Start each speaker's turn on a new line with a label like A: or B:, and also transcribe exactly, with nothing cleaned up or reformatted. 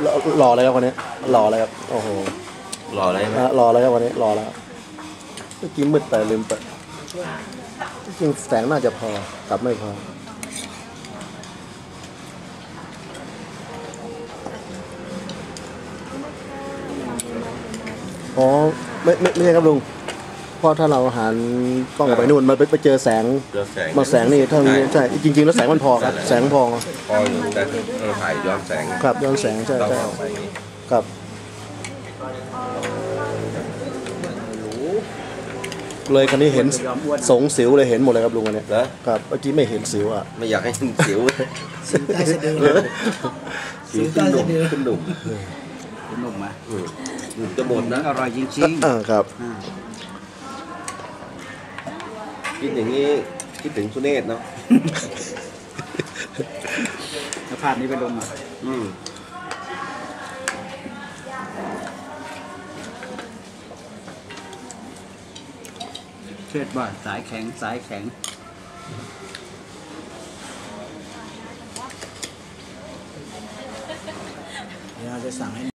A: หล่อเลยครับวันนี้หล่อเลยครับโอ้โห
B: หล่ออะไรไหม
A: หล่อเลยครับวันนี้หล่อแล้วเมื่อกี้มืดแต่ลืมเปิดจริงแสงน่าจะพอกลับไม่พออ๋อไม่ไม่ไม่ใช่ครับลุงเพราะถ้าเราหันกล้องไปนู่นมันไปเจอแสง
B: เจอแสง
A: มาแสงนี่เท่านี้ใช่จริงๆแล้วแสงมันพอครับแสงพอ
B: พออยู่แต่เราถ่ายย้อนแสง
A: ครับย้อนแสงใช่
B: ต้อง
A: ใช่
B: เอาไปอย่างนี้
A: ครับเลยคันนี้เห็นสงสิวเลยเห็นหมดเลยครับลุงอันเนี้ย
B: เหรอ
A: ครับเมื่อกี้ไม่เห็นสิวอ่ะ
B: ไม่อยากให้สิว
C: สิวใต้สะดือ
B: สิวขึ้นหนุ่มขึ้นหนุ่ม
C: คุณหนุ่มอ่ะ
B: อืมหนุ่มจะหมดนะ
C: อร่อยจริง
A: อ่าครับ
C: ๆอ่า
B: คิดอย่างนี้คิดถึงสุเนศเนาะ
C: แล้วภาพนี้ไปลงอ่ะ
B: อืม
C: เชิดบ่าสายแข็งสายแข็งเราจะสั่งให้